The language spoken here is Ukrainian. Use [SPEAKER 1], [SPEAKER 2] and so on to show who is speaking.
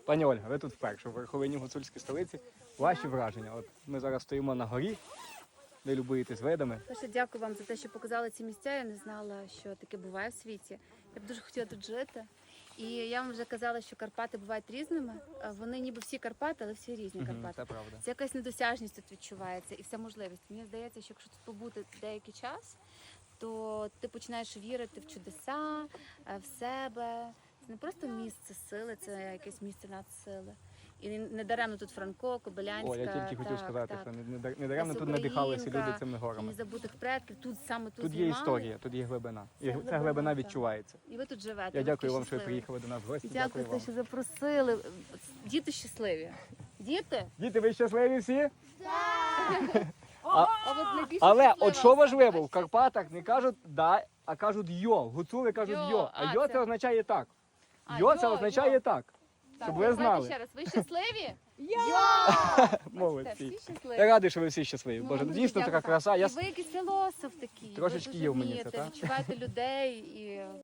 [SPEAKER 1] Пані Ольга, ви тут вперше в верховині гуцульській столиці. Ваші враження? От ми зараз стоїмо на горі, де любуєтесь видами.
[SPEAKER 2] Перше, дякую вам за те, що показали ці місця. Я не знала, що таке буває в світі. Я б дуже хотіла тут жити. І я вам вже казала, що Карпати бувають різними. Вони ніби всі Карпати, але всі різні Карпати.
[SPEAKER 1] Це правда.
[SPEAKER 2] Це якась недосяжність тут відчувається і вся можливість. Мені здається, що якщо тут побути деякий час, то ти починаєш вірити в чудеса, в себе. Це не просто місце сили, це якесь місце надсили. І не даремно тут Франко, Кобилянська.
[SPEAKER 1] О, я тільки хотів сказати,
[SPEAKER 2] так.
[SPEAKER 1] що не даремно тут надихалися люди цими
[SPEAKER 2] І
[SPEAKER 1] горами.
[SPEAKER 2] незабутих предків, тут саме тут
[SPEAKER 1] Тут є
[SPEAKER 2] знімали.
[SPEAKER 1] історія, тут є глибина. І
[SPEAKER 2] Це
[SPEAKER 1] ця
[SPEAKER 2] глибина,
[SPEAKER 1] глибина
[SPEAKER 2] так.
[SPEAKER 1] відчувається.
[SPEAKER 2] І ви тут живете.
[SPEAKER 1] Я
[SPEAKER 2] ви
[SPEAKER 1] дякую
[SPEAKER 2] такі
[SPEAKER 1] вам, що ви
[SPEAKER 2] щасливі.
[SPEAKER 1] приїхали до нас в гості.
[SPEAKER 2] Дякую за те,
[SPEAKER 1] вам.
[SPEAKER 2] що запросили. Діти щасливі. Діти?
[SPEAKER 1] Діти, ви щасливі всі?
[SPEAKER 2] А от найбільше
[SPEAKER 1] Але
[SPEAKER 2] щаслива
[SPEAKER 1] от що
[SPEAKER 2] особа,
[SPEAKER 1] важливо, в
[SPEAKER 2] бачите?
[SPEAKER 1] Карпатах не кажуть «да», а кажуть «йо». Гуцули кажуть
[SPEAKER 2] «Йо»,
[SPEAKER 1] «йо». А «йо»
[SPEAKER 2] це-
[SPEAKER 1] це означає так.
[SPEAKER 2] А,
[SPEAKER 1] «Йо» це
[SPEAKER 2] «йо»,
[SPEAKER 1] означає
[SPEAKER 2] «йо».
[SPEAKER 1] так.
[SPEAKER 2] Так,
[SPEAKER 1] Щоб ви
[SPEAKER 2] давайте
[SPEAKER 1] знали.
[SPEAKER 2] ще раз. Ви щасливі?
[SPEAKER 1] Молодці.
[SPEAKER 2] Всі щасливі.
[SPEAKER 1] Я радий, що ви всі щасливі.
[SPEAKER 2] Ну,
[SPEAKER 1] Боже,
[SPEAKER 2] вам
[SPEAKER 1] дійсно
[SPEAKER 2] дуже
[SPEAKER 1] така
[SPEAKER 2] дякую.
[SPEAKER 1] краса.
[SPEAKER 2] І ви якийсь філософ такий.
[SPEAKER 1] Трошечки
[SPEAKER 2] ви
[SPEAKER 1] є
[SPEAKER 2] дуже
[SPEAKER 1] в мені це,
[SPEAKER 2] вмієте
[SPEAKER 1] так?
[SPEAKER 2] відчуваєте людей і